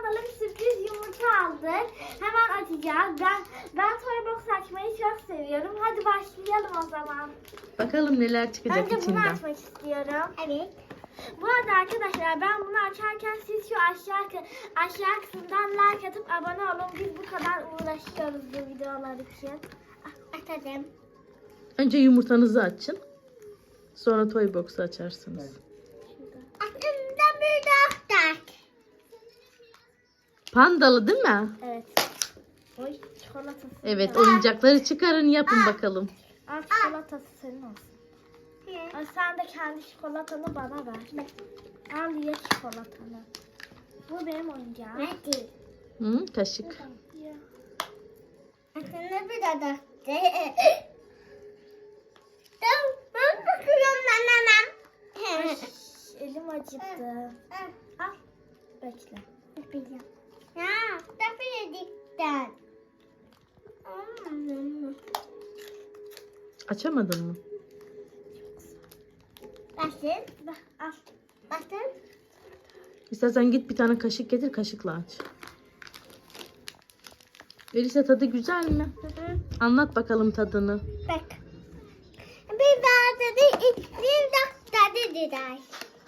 bakalım, sürpriz yumurta aldık. Hemen açacağız. Ben toy box açmayı çok seviyorum. Hadi başlayalım o zaman. Bakalım neler çıkacak Önce bunu içinden. açmak istiyorum. Evet. Bu arada arkadaşlar, ben bunu açarken siz şu aşağı kısımdan like atıp abone olun. Biz bu kadar uğraşıyoruz bu videolar için. Açalım. Önce yumurtanızı açın. Sonra toy box'u açarsınız. Aklımda bir doktor. Pandalı değil mi? Evet. Oy, çikolatası. Evet, oyuncakları çıkarın yapın bakalım. Al, çikolatası senin olsun. Al, sen de kendi çikolatanı bana ver. Al, ye çikolatanı. Bu benim oyuncağım. Hadi. Hı, kaşık. Aslında bir de ben bakıyorum ben. Elim acıdı. Al. Bekle. Yapacağım. Ya, tabii yedikten. Açamadın mı? Başın. Al. Başın. İstersen git bir tane kaşık getir, kaşıkla aç. Elisa, tadı güzel mi? Anlat bakalım tadını. Bak. Bir daha dedi, bir dakika dediler.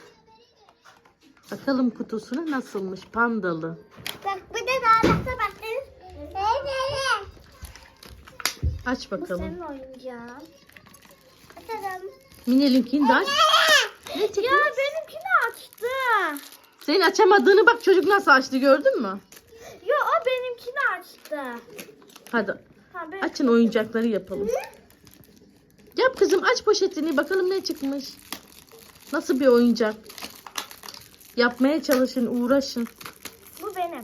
Bakalım kutusuna nasılmış, pandalı. Bak, bir de daha dakika bakın. Evet. Aç Bu bakalım. senin oyuncağın. Açalım. Minel'inkini de aç. Ne Ya çıkmış? benimkini açtı. Senin açamadığını bak, çocuk nasıl açtı, gördün mü? Ya o benimkini açtı. Hadi Ha, ben... açın, oyuncakları yapalım. Yap kızım, aç poşetini bakalım ne çıkmış. Nasıl bir oyuncak? Yapmaya çalışın, uğraşın. Bu benim.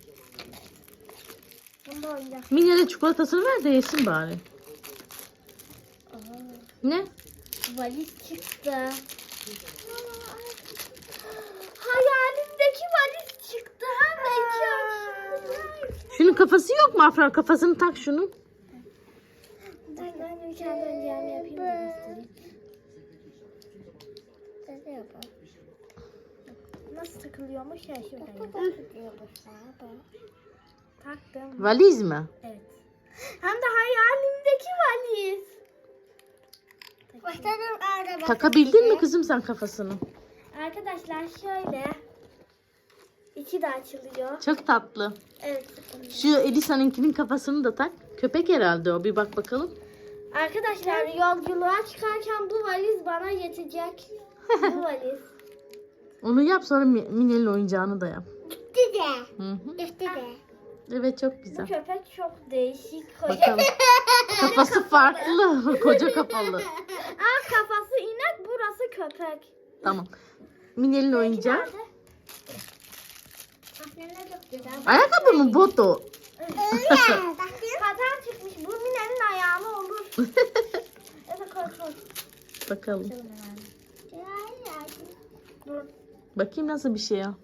Bunda oyuncak. Minel'e çikolatasını ver de yesin bari. Ne? Valiz çıktı. Hayalimdeki valiz çıktı. Hem de iki aşırı. Şunun kafası yok mu Afra? Kafasını tak şunu. Ben de kendi oyuncağımı yapayım da göstereyim. Şöyle yapalım. Nasıl takılıyormuş ya, şurada. Taktım. Valiz mi? Evet. Hem de hayalimdeki valiz. Başladım araba. Takabildin mi kızım sen kafasını? Arkadaşlar şöyle. İçi de açılıyor. Çok tatlı. Evet. Şu Elisa'nınkinin kafasını da tak. Köpek herhalde o. Bir bak bakalım. Arkadaşlar, yolculuğa çıkarken bu valiz bana yetecek. Bu valiz. Onu yap, sonra Minel'in oyuncağını da yap. Gitti de. Hı hı. Gitti de. Evet, çok Bu güzel. köpek çok değişik. Bakalım. Kafası farklı. Koca kafalı. Aa, kafası inek, burası köpek. Tamam. Minel'in oyuncağı. Nerede? Aslında çok güzel. Ayakkabı mı, bot o? Paten çıkmış. Bu Mine'nin ayağına olur. Evet, koy. Bakalım. Dur. Bakayım nasıl bir şey ya.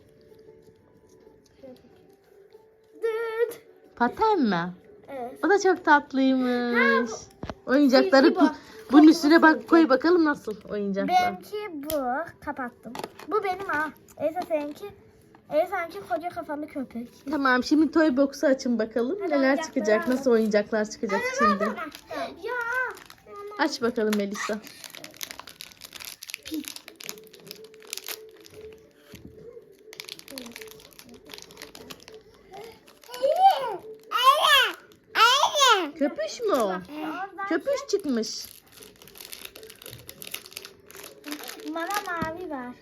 Dıt. Paten mi? Evet. O da çok tatlıymış. Oyuncakları Silgi bu. bunun üstüne bak, koy bakalım nasıl oyuncaklar. Benimki bu. Kapattım. Bu benim ha. Elsa seninki. Elsa'nınki koca kafalı köpek. Tamam, şimdi toy box'u açın bakalım. Hadi Neler oyuncakları çıkacak, alalım. nasıl oyuncaklar çıkacak şimdi. Ya. Aç bakalım Melisa. Köpüş mü o? Oradan Köpüş çıkmış. bana mavi ver.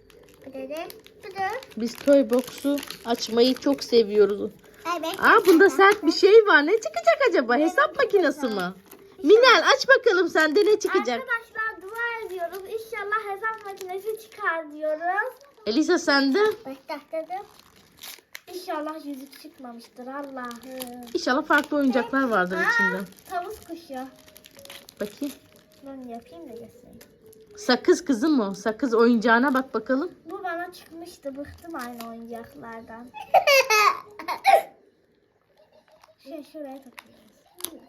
Biz toy box'u açmayı çok seviyoruz. Evet. Aa, bunda sert bir şey var. Ne çıkacak acaba? Hesap makinesi mi? Minel, aç bakalım sende ne çıkacak? Arkadaşlar, dua ediyoruz. İnşallah hesap makinesi çıkar diyoruz. Elisa, sende? Başlattım. İnşallah yüzük çıkmamıştır Allah'ım. İnşallah farklı oyuncaklar vardır içinde. Tavus kuşu. Bakayım. Ben yapayım da göstereyim. Sakız kızım o. Sakız oyuncağına bak bakalım. Bu bana çıkmıştı. Bıktım aynı oyuncaklardan. Şuraya takıyoruz.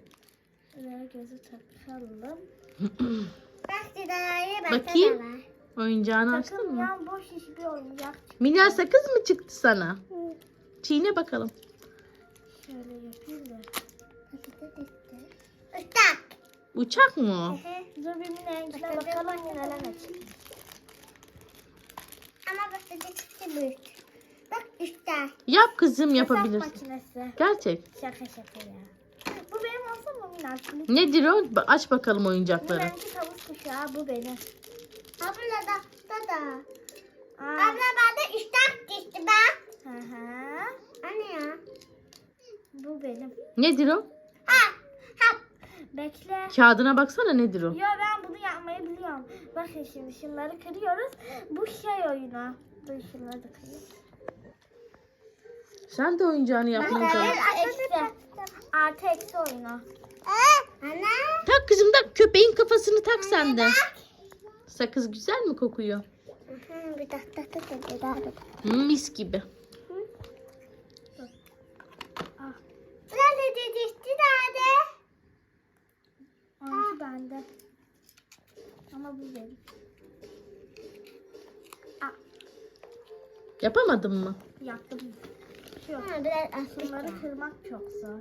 Şuraya gözü takalım. Bakayım. Oyuncağını açtın mı? Takılmayan boş hiçbir oyuncak. Milyar sakız mı çıktı sana? Çiğne bakalım. Şöyle yapayım da. Uçak mı o? Dur bir Mine'ye bakalım neler açayım. Ama bak dedi çıktı büyük. Bak üstte. Yap kızım, Hesap yapabilirsin. makinesi. Gerçek. Şaka ya. Bu benim olsa mı Mine? Nedir o? Aç bakalım oyuncakları. Mine'ninki tavus kuşağı, bu benim. Abla da. Aa. Abla bende üstte çıktı bak. Hı hı. Anne ya. Bu benim. Nedir o? Ha. Bekle. Kağıdına baksana, nedir o? Yo ben bunu yapmayı biliyorum. Bakın şimdi şunları kırıyoruz. Bu şey oyunu. Dur şunları da kırayım. Sen de oyuncağını yapmaya çalış. Artı eksi oyunu. Anne. Tak kızım, tak, köpeğin kafasını tak sen de. Sakız güzel mi kokuyor? Bir dakika. Mis gibi. Nerede dedişti nerede? Onunki bende. Ama bu benim. Yapamadın mı? Yaptım. Yok. Biraz asmış. Bunları kırmak çok zor.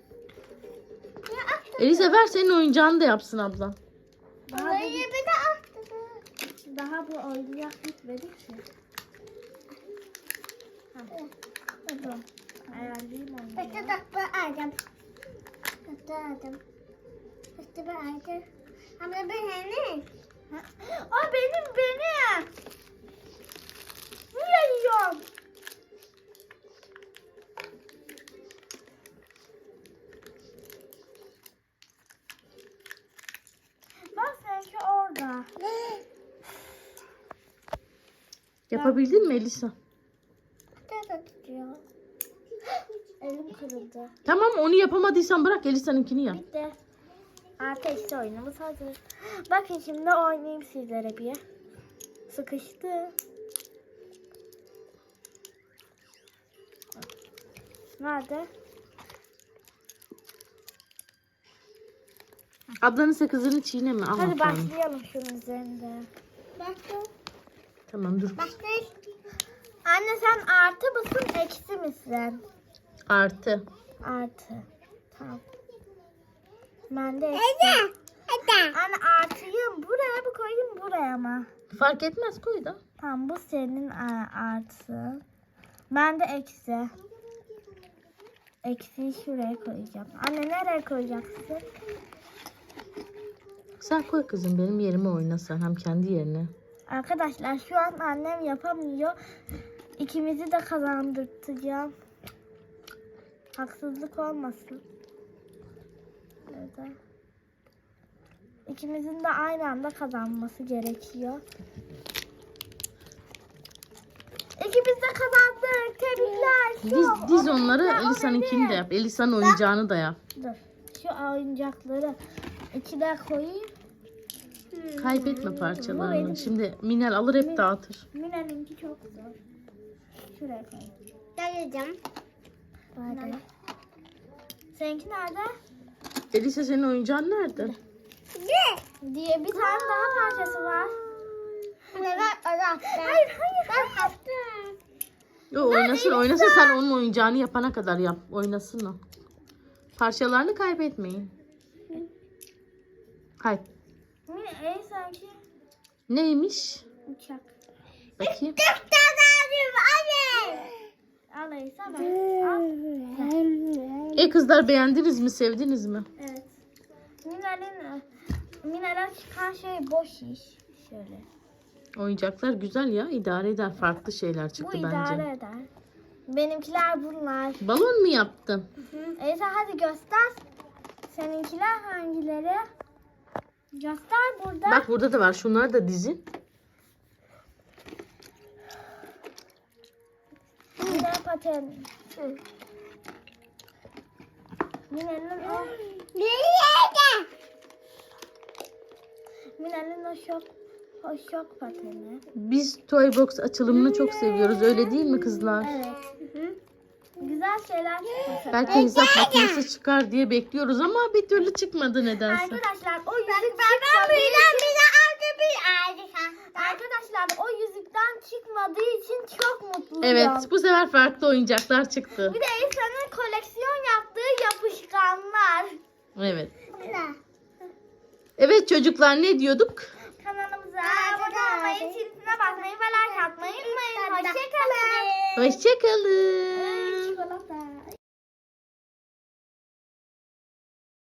Elise ver, senin oyuncağını da yapsın ablam. Daha, Orayı bir de attı. daha bu oyuncak bitmedi ki. Dur. Ayarlayayım onu. Bekle dakika aldım. Bekle ben aldım. Ama ben ne? O benim. Niye yiyorum? Bak sanki orada. Yapabildin mi Elisa? Tutuyor. Elim kırıldı. Tamam, onu yapamadıysan bırak, Elisa'nınkini yap. Bitti. Artı eksi oyunumuz hazır. Bakın şimdi oynayayım sizlere bir. Sıkıştı. Nerede? Ablanın sakızını çiğneme. Al Hadi bakalım. başlayalım şunun üzerinde. Baktım. Tamam, dur. Baktım. Anne sen artı mısın eksi misin? Artı. Artı. Tamam. Ben de eksi. Hadi. Anne artıyım. Buraya mı koyayım buraya mı? Fark etmez, koy da. Tamam bu senin artı. Ben de eksi. Eksiyi şuraya koyacağım. Anne nereye koyacaksın? Sen koy kızım, benim yerime oyna sen. Hem kendi yerine. Arkadaşlar şu an annem yapamıyor. İkimizi de kazandırtacağım. Haksızlık olmasın. Böyle. İkimizin de aynı anda kazanması gerekiyor. İkimiz de kazandık. Tebrikler. Diz onları, Elisa'nınkini de yap. Elisa'nın oyuncağını da yap. Dur. Şu oyuncakları içine koyayım. Kaybetme parçalarını. Şimdi Minel alır hep dağıtır. Mine'ninki çok zor. Şuraya koyayım. Geleceğim. Nerede? Seninki nerede? Elisa, senin oyuncağın nerede? Diye bir tane daha parçası var. Hayır. Ben yaptım. Yo, oynasın sen onun oyuncağını yapana kadar yap. Oynasın o. Parçalarını kaybetmeyin. Kayıp. Mine sanki Neymiş? uçak. Bakayım. Çok tane anne. Alaysa ben. Al. Kızlar, beğendiniz mi? Sevdiniz mi? Evet. Mine'den çıkan şey boş iş. Şöyle. Oyuncaklar güzel ya. İdare eder. Farklı şeyler Bu çıktı idare bence. eder. Benimkiler bunlar. Balon mu yaptın? Eysa hadi göster. Seninkiler hangileri? Göster burada. Bak, burada da var. Şunları da dizin. Mine paten. Mine'nin o şok pateni. Biz Toy Box açılımını çok seviyoruz. Öyle değil mi kızlar? Evet. Güzel şeyler çıkmış. Belki hesap makinesi çıkar diye bekliyoruz ama bir türlü çıkmadı nedense. Arkadaşlar o yüzük Ben bir aldı bir aldı. Arkadaşlar Evet, bu sefer farklı oyuncaklar çıktı. Bir de İsa'nın koleksiyon yaptığı yapışkanlar. Evet. Abla. Evet çocuklar, ne diyorduk? Kanalımıza abone olmayı, çizgisine basmayı ve like atmayı unutmayın. Hoşçakalın. Hoşçakalın.